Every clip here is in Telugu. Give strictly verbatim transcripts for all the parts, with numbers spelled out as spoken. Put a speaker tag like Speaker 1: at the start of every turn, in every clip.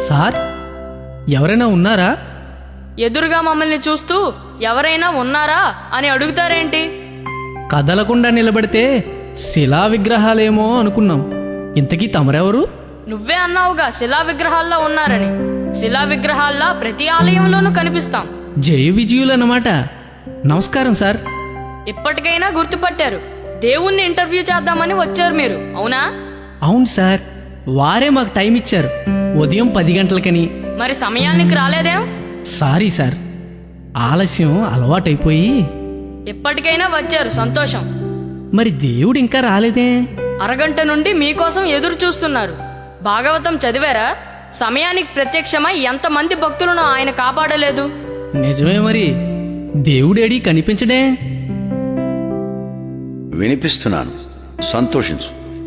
Speaker 1: సార్, ఎవరైనా ఉన్నారా?
Speaker 2: ఎదురుగా మమ్మల్ని చూస్తూ ఎవరైనా ఉన్నారా అని అడుగుతారేంటి?
Speaker 1: కదలకుండా నిలబడితే శిలా విగ్రహాలేమో అనుకున్నాం. ఇంతకీ తమరెవరు?
Speaker 2: నువ్వే అన్నావుగా శిలా విగ్రహాల్లో ఉన్నారని. శిలా విగ్రహాల్లా ప్రతి ఆలయంలోనూ కనిపిస్తాం.
Speaker 1: జయ విజయులన్నమాట. నమస్కారం సార్.
Speaker 2: ఇప్పటికైనా గుర్తుపట్టారు. దేవుణ్ణి ఇంటర్వ్యూ చేద్దామని వచ్చారు మీరు, అవునా?
Speaker 1: అవును సార్, వారే మాకు టైం ఇచ్చారు, ఉదయం పది గంటలకని.
Speaker 2: మరి సమయానికి రాలేదేం?
Speaker 1: సారీ సార్, ఆలస్యం అలవాటైపోయి.
Speaker 2: ఇప్పటికైనా వచ్చారు, సంతోషం.
Speaker 1: మరి దేవుడు ఇంకా రాలేదే?
Speaker 2: అరగంట నుండి మీకోసం ఎదురు చూస్తున్నారు. భాగవతం చదివారా? సమయానికి ప్రత్యక్షమై ఎంతమంది భక్తులను ఆయన కాపాడలేదు.
Speaker 1: నిజమే. మరి దేవుడేడి కనిపించడే?
Speaker 3: వినిపిస్తున్నాను, సంతోషించు.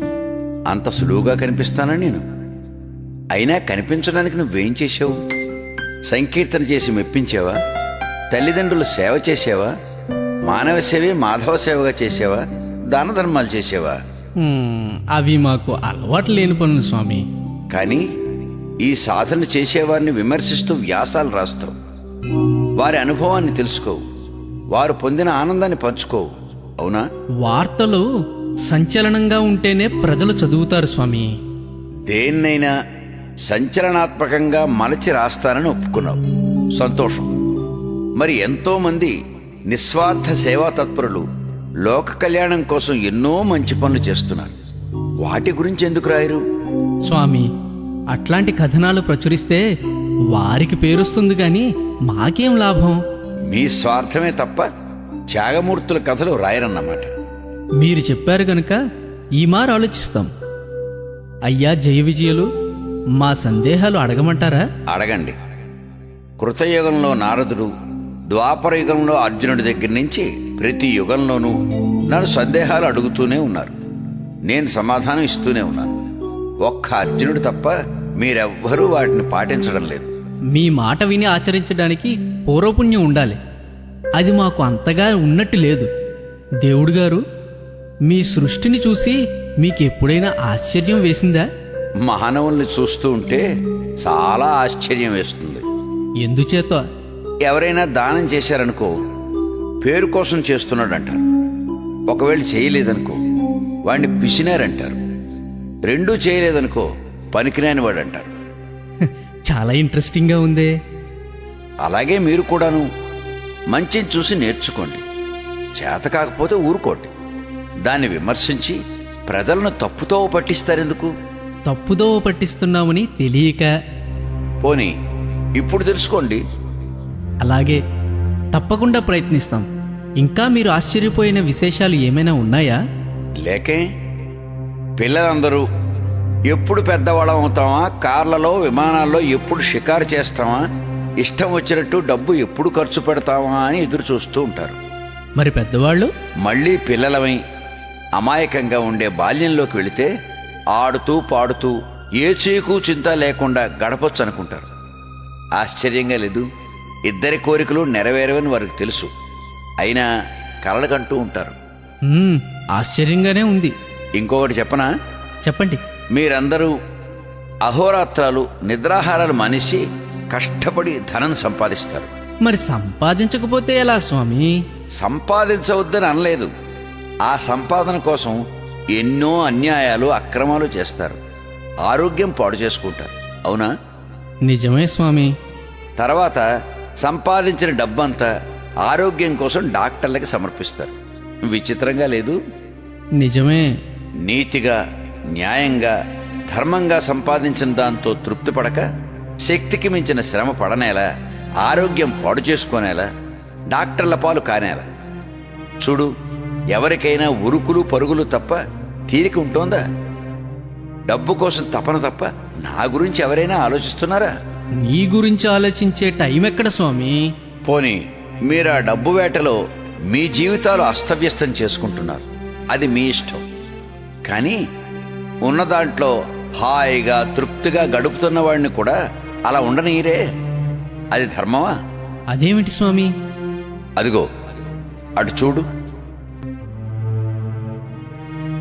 Speaker 3: అంత సులువుగా కనిపిస్తానా నేను? అయినా కనిపించడానికి నువ్వేం చేశావు? సంకీర్తన చేసి మెప్పించావా? తల్లిదండ్రుల సేవ చేసావా? మానవ సేవే మాధవ సేవగా చేసావా? దాన ధర్మాలు చేసావా?
Speaker 1: హ్మ్, అవి మాకు అలవాటు లేని పనులు స్వామి.
Speaker 3: కానీ ఈ సాధన చేసేవారిని విమర్శిస్తూ వ్యాసాలు రాస్తావు. వారి అనుభవాన్ని తెలుసుకోవు, వారు పొందిన ఆనందాన్ని పంచుకోవు, అవునా?
Speaker 1: వార్తలు సంచలనంగా ఉంటేనే ప్రజలు చదువుతారు స్వామి.
Speaker 3: దేన్నైనా సంచలనాత్మకంగా మలచి రాస్తానని ఒప్పుకున్నావు, సంతోషం. మరి ఎంతో మంది నిస్వార్థ సేవా తత్పరులు లోక కళ్యాణం కోసం ఎన్నో మంచి పనులు చేస్తున్నారు. వాటి గురించి ఎందుకు రాయరు?
Speaker 1: స్వామి, అట్లాంటి కథనాలు ప్రచురిస్తే వారికి పేరుస్తుంది గాని మాకేం లాభం?
Speaker 3: మీ స్వార్థమే తప్ప త్యాగమూర్తుల కథలు రాయరన్నమాట.
Speaker 1: మీరు చెప్పారు గనుక ఈ మారు ఆలోచిస్తాం. అయ్యా జయ విజయులు, మా సందేహాలు అడగమంటారా?
Speaker 3: అడగండి. కృతయుగంలో నారదుడు, ద్వాపర యుగంలో అర్జునుడి దగ్గర నుంచి ప్రతి యుగంలోనూ నన్ను సందేహాలు అడుగుతూనే ఉన్నారు. నేను సమాధానం ఇస్తూనే ఉన్నాను. ఒక్క అర్జునుడు తప్ప మీరెవ్వరూ వాటిని పాటించడం లేదు.
Speaker 1: మీ మాట విని ఆచరించడానికి పూర్వపుణ్యం ఉండాలి. అది మాకు అంతగా ఉన్నట్టు లేదు. దేవుడు గారు, మీ సృష్టిని చూసి మీకెప్పుడైనా ఆశ్చర్యం వేసిందా?
Speaker 3: మానవుల్ని చూస్తూ ఉంటే చాలా ఆశ్చర్యం వేస్తుంది.
Speaker 1: ఎందుచేత?
Speaker 3: ఎవరైనా దానం చేశారనుకో, పేరు కోసం చేస్తున్నాడంటారు. ఒకవేళ చేయలేదనుకో, వాడిని పిసినారంటారు. రెండూ చేయలేదనుకో, పనికిరాని వాడు అంటారు.
Speaker 1: చాలా ఇంట్రెస్టింగ్గా ఉందే.
Speaker 3: అలాగే మీరు కూడాను మంచిని చూసి నేర్చుకోండి. చేత కాకపోతే ఊరుకోండి. దాన్ని విమర్శించి ప్రజలను తప్పుతో పట్టిస్తారెందుకు?
Speaker 1: తప్పుదోవ పట్టిస్తున్నామని తెలియక.
Speaker 3: పోనీ ఇప్పుడు తెలుసుకోండి.
Speaker 1: అలాగే, తప్పకుండా ప్రయత్నిస్తాం. ఇంకా మీరు ఆశ్చర్యపోయిన విశేషాలు ఏమైనా ఉన్నాయా?
Speaker 3: లేకే. పిల్లలందరూ ఎప్పుడు పెద్దవాళ్ళం అవుతామా, కార్లలో విమానాల్లో ఎప్పుడు షికారు చేస్తామా, ఇష్టం వచ్చినట్టు డబ్బు ఎప్పుడు ఖర్చు పెడతామా అని ఎదురు చూస్తూ ఉంటారు.
Speaker 1: మరి పెద్దవాళ్ళు?
Speaker 3: మళ్ళీ పిల్లలమై అమాయకంగా ఉండే బాల్యంలోకి వెళితే ఆడుతూ పాడుతూ ఏ చీకు చింత లేకుండా గడపొచ్చు అనుకుంటారు. ఆశ్చర్యంగా లేదు? ఇద్దరి కోరికలు నెరవేరవని వారికి తెలుసు, అయినా కలలకంటూ ఉంటారు.
Speaker 1: మ్మ్, ఆశ్చర్యంగానే ఉంది.
Speaker 3: ఇంకొకటి చెప్పనా?
Speaker 1: చెప్పండి.
Speaker 3: మీరందరూ అహోరాత్రాలు నిద్రాహారాలు మానేసి కష్టపడి ధనం సంపాదిస్తారు.
Speaker 1: మరి సంపాదించకపోతే ఎలా స్వామి?
Speaker 3: సంపాదించవద్దని అనలేదు. ఆ సంపాదన కోసం ఎన్నో అన్యాయాలు అక్రమాలు చేస్తారు. ఆరోగ్యం పాడు చేసుకుంటారు, అవునా?
Speaker 1: నిజమే స్వామి.
Speaker 3: తర్వాత సంపాదించిన డబ్బంతా ఆరోగ్యం కోసం డాక్టర్లకి సమర్పిస్తారు. విచిత్రంగా లేదు?
Speaker 1: నిజమే.
Speaker 3: నీతిగా, న్యాయంగా, ధర్మంగా సంపాదించిన దాంతో తృప్తి పడక శక్తికి మించిన శ్రమ పడనేలా, ఆరోగ్యం పాడు చేసుకోనేలా, డాక్టర్ల పాలు కానేలా. చూడు, ఎవరికైనా ఉరుకులు పరుగులు తప్ప తీరిక ఉంటోందా? డబ్బు కోసం తపన తప్ప నా గురించి ఎవరైనా ఆలోచిస్తున్నారా?
Speaker 1: నీ గురించి ఆలోచించే టైం ఎక్కడ స్వామి?
Speaker 3: పోనీ మీరు ఆ డబ్బు వేటలో మీ జీవితాలు అస్తవ్యస్తం చేసుకుంటున్నారు. అది మీ ఇష్టం. కానీ ఉన్న దాంట్లో హాయిగా తృప్తిగా గడుపుతున్న వాడిని కూడా అలా ఉండనీరే. అది ధర్మమా?
Speaker 1: అదేమిటి స్వామి?
Speaker 3: అదిగో అటు చూడు.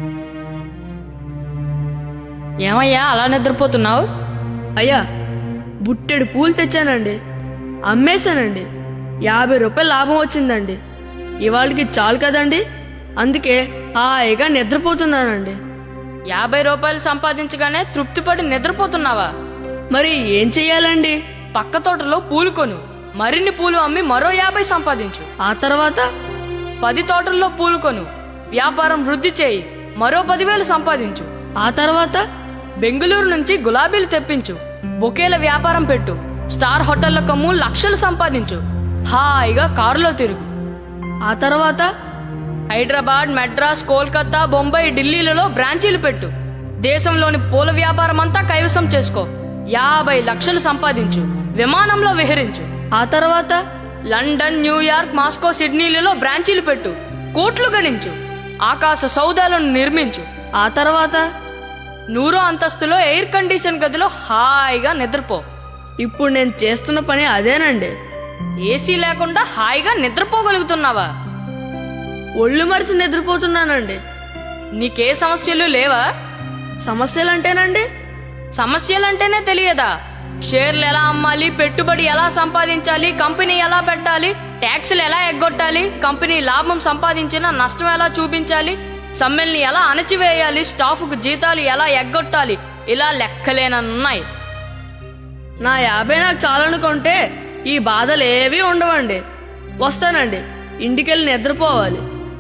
Speaker 2: ఏమయ్యా అలా నిద్రపోతున్నావు?
Speaker 1: అయ్యా,
Speaker 4: బుట్టెడు పూలు తెచ్చానండి. అమ్మేశానండి. యాభై రూపాయలు లాభం వచ్చిందండి. ఇవాళకి చాలు కదండి, అందుకే హాయిగా నిద్రపోతున్నానండి.
Speaker 2: యాభై రూపాయలు సంపాదించగానే తృప్తిపడి నిద్రపోతున్నావా?
Speaker 4: మరి ఏం చెయ్యాలండి?
Speaker 2: పక్క తోటలో పూలు కొను, మరిన్ని పూలు అమ్మి మరో యాభై సంపాదించు.
Speaker 4: ఆ తర్వాత
Speaker 2: పది తోటల్లో పూలు కొను, వ్యాపారం వృద్ధి చేయి, మరో పదివేలు సంపాదించు.
Speaker 4: ఆ తర్వాత
Speaker 2: బెంగళూరు నుంచి గులాబీలు తెప్పించు, బొకేల వ్యాపారం పెట్టు, స్టార్ హోటళ్ల కమ్ము, లక్షలు సంపాదించు. హాయిగా కారులో తిరుగు.
Speaker 4: ఆ తర్వాత
Speaker 2: హైదరాబాద్, మెడ్రాస్, కోల్కతా, బొంబాయి, ఢిల్లీలలో బ్రాంచీలు పెట్టు. దేశంలోని పూల వ్యాపారం అంతా కైవసం చేసుకో. యాభై లక్షలు సంపాదించు. విమానంలో విహరించు.
Speaker 4: ఆ తర్వాత
Speaker 2: లండన్, న్యూయార్క్, మాస్కో, సిడ్నీలలో బ్రాంచీలు పెట్టు. కోట్లు గణించు. ఆకాశ సౌదాలను నిర్మించు.
Speaker 4: ఆ తర్వాత
Speaker 2: నూరో అంతస్తులో ఎయిర్ కండిషన్ గదిలో హాయిగా నిద్రపో.
Speaker 4: ఇప్పుడు నేను చేస్తున్న పని అదేనండి.
Speaker 2: ఏసీ లేకుండా హాయిగా నిద్రపోగలుగుతున్నావా?
Speaker 4: ఒళ్ళు మరిచి నిద్రపోతున్నానండి.
Speaker 2: నీకే సమస్యలు లేవా?
Speaker 4: సమస్యలంటేనండి
Speaker 2: సమస్యలంటేనే తెలియదా? షేర్లు ఎలా అమ్మాలి, పెట్టుబడి ఎలా సంపాదించాలి, కంపెనీ ఎలా పెట్టాలి, ట్యాక్సులు ఎలా ఎగ్గొట్టాలి, కంపెనీ లాభం సంపాదించినా నష్టం ఎలా చూపించాలి, సమ్మెల్ని ఎలా అణచివేయాలి, స్టాఫ్కు జీతాలు ఎలా ఎగ్గొట్టాలి, ఇలా లెక్కలేనన్నాయి.
Speaker 4: నా యాభై నాకు చాలనుకుంటే ఈ బాధలు ఏవీ ఉండవండి. వస్తానండి, ఇంటికెళ్ళి నిద్రపోవాలి.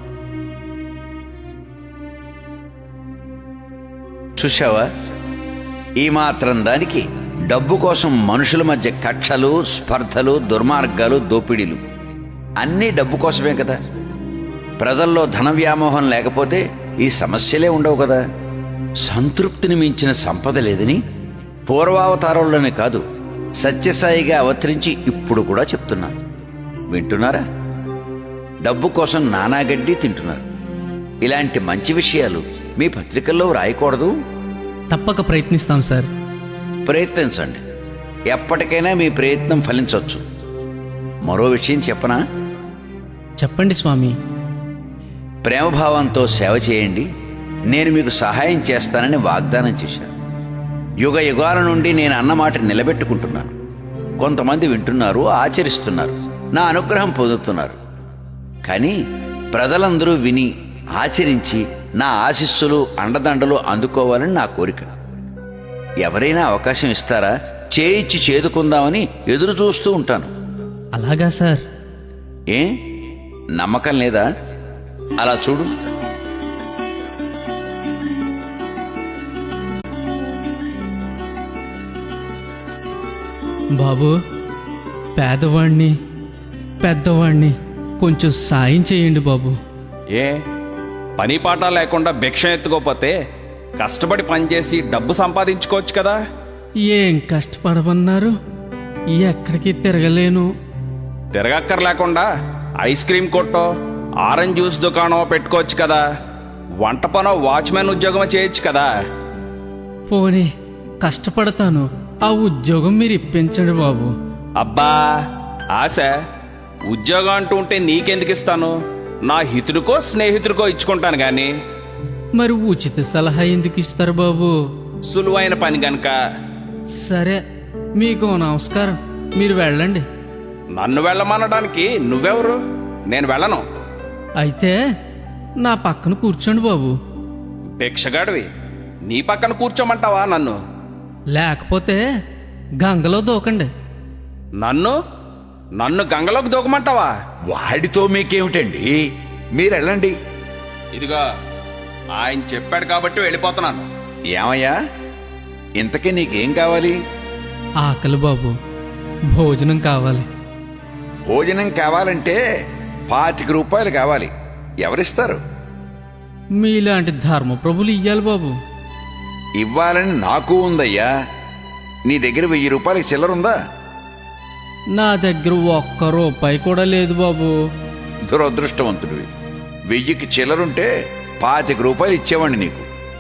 Speaker 3: చూశావా, ఈ మాత్రం దానికి డబ్బు కోసం మనుషుల మధ్య కక్షలు, స్పర్ధలు, దుర్మార్గాలు, దోపిడీలు అన్నీ డబ్బు కోసమే కదా. ప్రజల్లో ధన వ్యామోహం లేకపోతే ఈ సమస్యలే ఉండవు కదా. సంతృప్తిని మించిన సంపద లేదని పూర్వావతారంలోనే కాదు, సత్యసాయిగా అవతరించి ఇప్పుడు కూడా చెప్తున్నాను. వింటున్నారా? డబ్బు కోసం నానాగడ్డి తింటున్నారు. ఇలాంటి మంచి విషయాలు మీ పత్రికల్లో రాయకూడదు?
Speaker 1: తప్పక ప్రయత్నిస్తాం సార్.
Speaker 3: ప్రయత్నించండి. ఎప్పటికైనా మీ ప్రయత్నం ఫలించవచ్చు. మరో విషయం చెప్పనా?
Speaker 1: చెప్పండి స్వామి.
Speaker 3: ప్రేమభావంతో సేవ చేయండి, నేను మీకు సహాయం చేస్తానని వాగ్దానం చేశాను. యుగ యుగాల నుండి నేను అన్నమాట నిలబెట్టుకుంటున్నాను. కొంతమంది వింటున్నారు, ఆచరిస్తున్నారు, నా అనుగ్రహం పొందుతున్నారు. కానీ ప్రజలందరూ విని ఆచరించి నా ఆశీస్సులు, అండదండలు అందుకోవాలని నా కోరిక. ఎవరైనా అవకాశం ఇస్తారా? చేయిచ్చి చేదుకుందామని ఎదురు చూస్తూ ఉంటాను.
Speaker 1: అలాగా సార్.
Speaker 3: ఏ నమ్మకం లేదా? అలా చూడు.
Speaker 1: బాబు, పేదవాణ్ణి పెద్దవాణ్ణి కొంచెం సాయం చేయండి బాబు.
Speaker 5: ఏ పని పాట లేకుండా భిక్ష ఎత్తుకోపోతే కష్టపడి పనిచేసి డబ్బు సంపాదించుకోవచ్చు కదా.
Speaker 1: ఏం కష్టపడమన్నారు? ఎక్కడికి తిరగలేను.
Speaker 5: తిరగక్కర్ లేకుండా ఐస్ క్రీమ్ కొట్టో, ఆరెంజ్ జ్యూస్ దుకాణం పెట్టుకోవచ్చు కదా. వంట పనో, వాచ్మెన్ ఉద్యోగం చేయొచ్చు కదా.
Speaker 1: పోనీ కష్టపడతాను, ఆ ఉద్యోగం మీరు ఇప్పించండి బాబు.
Speaker 5: అబ్బా ఆశ, ఉద్యోగం అంటూ ఉంటే నీకెందుకు ఇస్తాను? నా హితుడికో స్నేహితుడికో ఇచ్చుకుంటాను గాని.
Speaker 1: మరి ఉచిత సలహా ఎందుకు ఇస్తారు బాబు?
Speaker 5: సులువైన పని గనక.
Speaker 1: సరే, మీకు నమస్కారం, మీరు వెళ్ళండి.
Speaker 5: నన్ను వెళ్ళమనడానికి నువ్వెవరు? నేను వెళ్ళను.
Speaker 1: అయితే నా పక్కన కూర్చోండి బాబు.
Speaker 5: భిక్షగాడివి, నీ పక్కన కూర్చోమంటావా నన్ను?
Speaker 1: లేకపోతే గంగలో దూకండి.
Speaker 5: నన్ను నన్ను గంగలోకి దూకమంటావా?
Speaker 3: వాడితో మీకేమిటండి, మీరెళ్ళండి.
Speaker 5: ఇదిగో ఆయన చెప్పాడు కాబట్టి వెళ్ళిపోతున్నాను.
Speaker 3: ఏమయ్యా, ఇంతకీ నీకేం కావాలి?
Speaker 1: ఆకలి బాబు, భోజనం కావాలి.
Speaker 3: భోజనం కావాలంటే పాతిక రూపాయలు కావాలి. ఎవరిస్తారు?
Speaker 1: మీలాంటి ధర్మప్రభులు ఇయ్యాలి బాబు.
Speaker 3: ఇవ్వాలని నాకు ఉందయ్యా. నీ దగ్గర వెయ్యి రూపాయలకి చిల్లరుందా?
Speaker 1: నా దగ్గర ఒక్క రూపాయి కూడా లేదు బాబు.
Speaker 3: దురదృష్టవంతుడివి. వెయ్యికి చిల్లరుంటే పాతిక రూపాయలు ఇచ్చేవాడిని నీకు.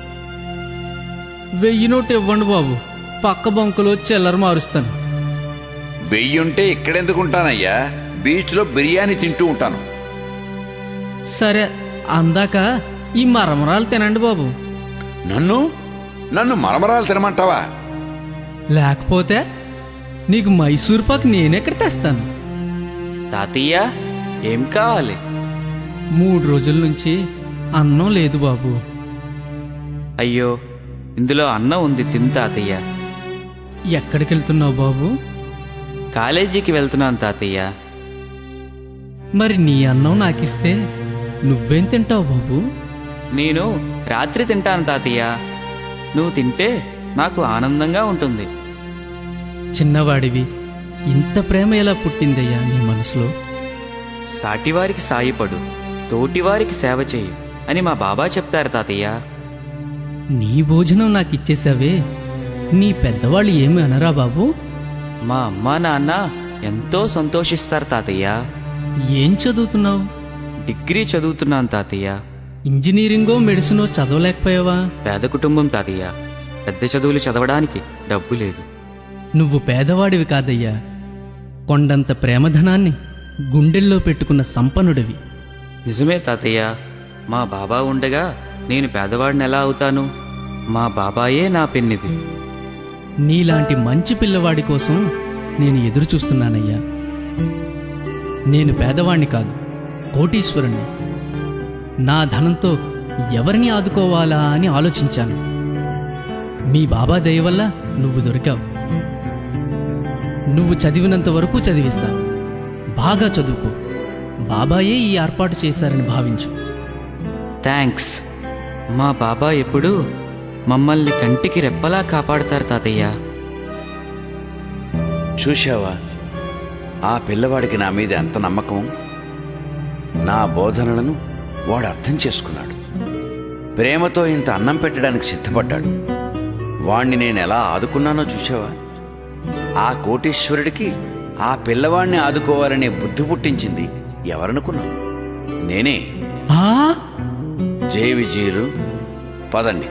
Speaker 1: వెయ్యి నోటు ఇవ్వండి బాబు, పక్క బంకులో చిల్లర మారుస్తాను.
Speaker 3: వెయ్యుంటే ఇక్కడెందుకుంటానయ్యా, బీచ్లో బిర్యానీ తింటూ ఉంటాను.
Speaker 1: సరే, అందాక ఈ మరమరాలు తినండి బాబు.
Speaker 3: నన్ను నన్ను మరమరాలు తినమంటావా?
Speaker 1: లేకపోతే నీకు మైసూర్ పాక్ నేనెక్కడ తెస్తాను?
Speaker 6: తాతయ్య ఏం కావాలి?
Speaker 1: మూడు రోజుల నుంచి అన్నం లేదు బాబు.
Speaker 6: అయ్యో, ఇందులో అన్నం ఉంది, తిను తాతయ్య.
Speaker 1: ఎక్కడికి వెళ్తున్నావు బాబు?
Speaker 6: కాలేజీకి వెళ్తున్నాను తాతయ్య.
Speaker 1: మరి నీ అన్నం నాకిస్తే నువ్వేం తింటావు బాబు?
Speaker 6: నేను రాత్రి తింటాను తాతయ్య. నువ్వు తింటే నాకు ఆనందంగా ఉంటుంది.
Speaker 1: చిన్నవాడివి, ఇంత ప్రేమ ఎలా పుట్టిందయ్యా నీ మనసులో?
Speaker 6: సాటివారికి సాయపడు, తోటివారికి సేవ చేయి అని మా బాబా చెప్తారు తాతయ్య.
Speaker 1: నీ భోజనం నాకు ఇచ్చేసావే, నీ పెద్దవాళ్ళు ఏమి అనరా బాబు?
Speaker 6: మా అమ్మా నాన్న ఎంతో సంతోషిస్తారు తాతయ్య.
Speaker 1: ఏం చదువుతున్నావు?
Speaker 6: డిగ్రీ చదువుతున్నాను తాతయ్య.
Speaker 1: ఇంజనీరింగో మెడిసినో చదవలేకపోయావా?
Speaker 6: పేద కుటుంబం తాతయ్య. పెద్ద చదువులు చదవడానికి డబ్బు లేదు.
Speaker 1: నువ్వు పేదవాడివి కాదయ్యా, కొండంత ప్రేమధనాన్ని గుండెల్లో పెట్టుకున్న సంపన్నుడివి.
Speaker 6: నిజమే తాతయ్య. మా బాబా ఉండగా నేను పేదవాడిని ఎలా అవుతాను? మా బాబాయే నా పెన్నిది.
Speaker 1: నీలాంటి మంచి పిల్లవాడి కోసం నేను ఎదురు చూస్తున్నానయ్యా. నేను పేదవాణ్ణి కాదు, కోటీశ్వరుణ్ణి. నా ధనంతో ఎవరిని ఆదుకోవాలా అని ఆలోచించాను. మీ బాబా దయ వల్ల నువ్వు దొరికావు. నువ్వు చదివినంత వరకు చదివిస్తా. బాగా చదువుకో. బాబాయే ఈ ఏర్పాటు చేశారని భావించు.
Speaker 6: థ్యాంక్స్. మా బాబా ఎప్పుడూ మమ్మల్ని కంటికి రెప్పలా కాపాడతారు తాతయ్య.
Speaker 3: చూశావా ఆ పిల్లవాడికి నా మీద ఎంత నమ్మకం? నా బోధనలను వాడు అర్థం చేసుకున్నాడు. ప్రేమతో ఇంత అన్నం పెట్టడానికి సిద్ధపడ్డాడు. వాణ్ణి నేను ఎలా ఆదుకున్నానో చూశావా? ఆ కోటీశ్వరుడికి ఆ పిల్లవాణ్ణి ఆదుకోవాలనే బుద్ధి పుట్టించింది ఎవరనుకున్నావు? నేనే.
Speaker 1: ఆ
Speaker 3: జై విజయులు, పదండి.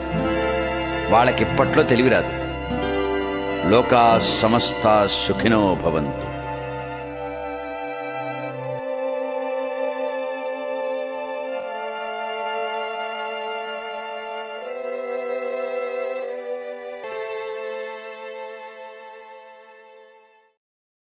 Speaker 3: వాళ్ళకిప్పట్లో తెలివిరాదు. లోకా సమస్త సుఖినో భవంతు.